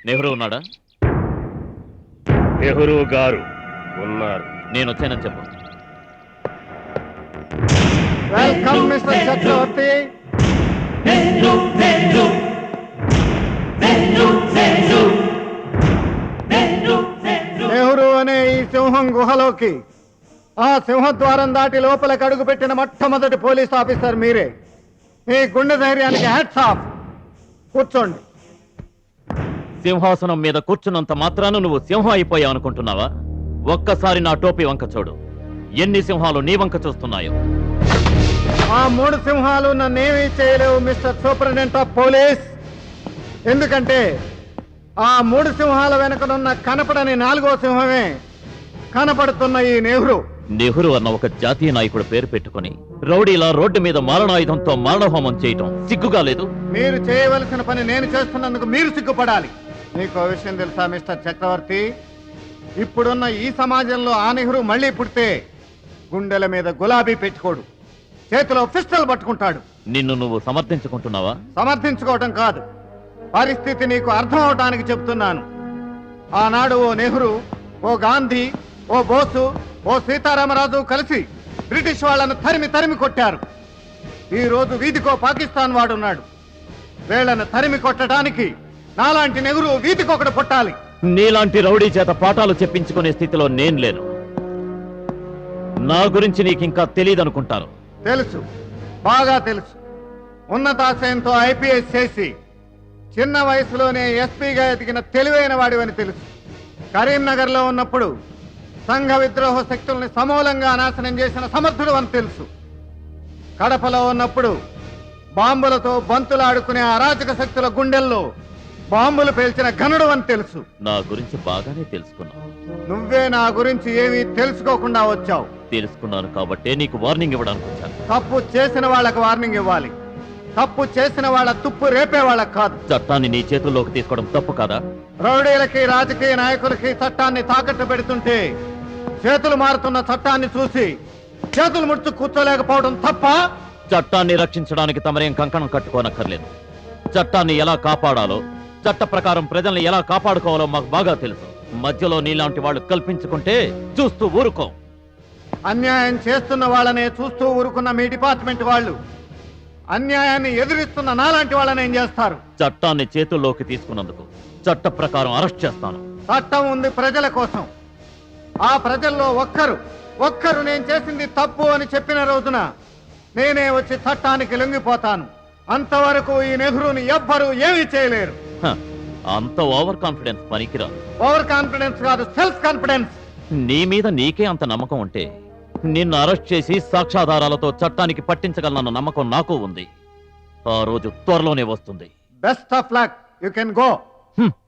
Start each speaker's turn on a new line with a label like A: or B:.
A: నెహ్రూ ఉన్నాడా?
B: నెహ్రూ గారు ఉన్నారు.
A: నేను వచ్చానని చెప్పు.
C: వెల్కమ్ మిస్టర్ చక్రవర్తి. నెహ్రూ అనే ఈ సింహం గుహలోకి ఆ సింహద్వారం దాటి లోపలికి అడుగు పెట్టిన మొట్టమొదటి పోలీస్ ఆఫీసర్ మీరే. మీ గుండె ధైర్యానికి హ్యాట్స్ ఆఫ్. కూర్చోండి.
A: సింహాసనం మీద కూర్చున్నంత మాత్రాన నువ్వు సింహం అయిపోయావు అనుకుంటున్నావా? ఒక్కసారి నా టోపీ వంక చూడు. ఎన్ని సింహాలు నీ వంక చూస్తున్నాయో.
C: ఆ 3 సింహాలు నన్నేమీ చేయలేవు మిస్టర్ సూపరింటెండెంట్ ఆఫ్ పోలీస్. ఎందుకంటే ఆ 3 సింహాల వెనకనున్న కనపడని 4వ సింహమే కనపడుతున్న ఈ నెహ్రూ.
A: నెహ్రూ అన్న ఒక జాతీయ నాయకుడు పేరు పెట్టుకుని రౌడీలా రోడ్డు మీద మారణాయుధంతో మారణహోమం చేయటం సిగ్గుగా లేదు?
C: మీరు చేయవలసిన పని నేను చేస్తున్నందుకు మీరు సిగ్గుపడాలి. మీకు విషయం తెలుసా మిస్టర్ చక్రవర్తి? ఇప్పుడున్న ఈ సమాజంలో ఆ నెహ్రూ మళ్ళీ పుడితే గుండెల మీద గులాబీ పెట్టుకోడు, చేతిలో పిస్టల్ పట్టుకుంటాడు.
A: నిన్ను నువ్వు సమర్థించుకుంటున్నావా?
C: సమర్థించుకోవటం కాదు, పరిస్థితి నీకు అర్థం అవటానికి చెప్తున్నాను. ఆనాడు ఓ నెహ్రూ, ఓ గాంధీ, ఓ బోసు, ఓ సీతారామరాజు కలిసి బ్రిటిష్ వాళ్ళను తరిమి తరిమి కొట్టారు. ఈ రోజు వీధికో పాకిస్తాన్ వాడున్నాడు. వీళ్ళను తరిమి కొట్టడానికి నాలాంటి నెహ్రూ వీధికొకడు పుట్టాలి.
A: నీలాంటి రౌడీ చేత పాఠాలు చెప్పించుకునే స్థితిలో నేను లేను. నా గురించి నీకింకా తెలియదనుకుంటాను.
C: తెలుసు, బాగా తెలుసు. ఉన్నతాశయంతో ఐపీఎస్ చేసి చిన్న వయసులోనే ఎస్పీగా ఎదిగిన తెలివైన వాడివని తెలుసు. కరీంనగర్లో ఉన్నప్పుడు సంఘ విద్రోహ శక్తుల్ని సమూలంగా నాశనం చేసిన సమర్థుడు అని తెలుసు. కడపలో ఉన్నప్పుడు బాంబులతో బంతులాడుకునే అరాచక శక్తుల గుండెల్లో బాంబులు పేల్చిన ఘనుడు అని తెలుసు.
A: నా గురించి బాగానే తెలుసుకున్నావు.
C: నువ్వే నా గురించి ఏమీ తెలుసుకోకుండా వచ్చావు.
A: తెలుసుకున్నాను కాబట్టే నీకు వార్నింగ్ ఇవ్వడానికి వచ్చాను.
C: తప్పు చేసిన వాళ్ళకి వార్నింగ్ ఇవ్వాలి, తప్పు చేసిన వాళ్ళ తుప్పు రేపే వాళ్ళకి కాదు.
A: చట్టాన్ని నీ చేతుల్లోకి తీసుకోవడం తప్పు కాదా?
C: రౌడీలకి రాజకీయ నాయకులకి చట్టాన్ని తాకట్టు పెడుతుంటే చేతులు మారుతున్న చట్టాన్ని చూసి చేతులు ముడుచు కూర్చోలేకపోవడం తప్ప?
A: చట్టాన్ని రక్షించడానికి తమరేం కంకణం కట్టుకోనక్కర్లేదు. చట్టాన్ని ఎలా కాపాడాలో, చట్ట ప్రకారం ప్రజల్ని ఎలా కాపాడుకోవాలో మాకు బాగా తెలుసు. మధ్యలో నీలాంటి వాళ్ళు కల్పించుకుంటే చూస్తూ ఊరుకో.
C: అన్యాయం చేస్తున్న వాళ్ళనే చూస్తూ ఊరుకున్న మీ డిపార్ట్మెంట్ వాళ్ళు అన్యాయాన్ని ఎదిరిస్తున్న నాలాంటి వాళ్ళని ఏం చేస్తారు?
A: చట్టాన్ని చేతుల్లోకి తీసుకున్నందుకు చట్ట ప్రకారం అరెస్ట్ చేస్తాను.
C: చట్టం ఉంది ప్రజల కోసం. ఆ ప్రజల్లో ఒక్కరు నేను చేసింది తప్పు అని చెప్పిన రోజున నేనే వచ్చి చట్టానికి లొంగిపోతాను. అంతవరకు ఈ నెహ్రూని ఎవ్వరూ ఏమీ చేయలేరు.
A: అంత ఓవర్ కాన్ఫిడెన్స్ పనికిరాదు.
C: ఓవర్ కాన్ఫిడెన్స్ కాదు, సెల్ఫ్ కాన్ఫిడెన్స్.
A: నీ మీద నీకే అంత నమ్మకం ఉంటే నిన్ను అరెస్ట్ చేసి సాక్ష్యాధారాలతో చట్టానికి పట్టించగలనన్న నమ్మకం నాకు ఉంది. ఆ రోజు త్వరలోనే వస్తుంది.
C: Best of luck. You can go.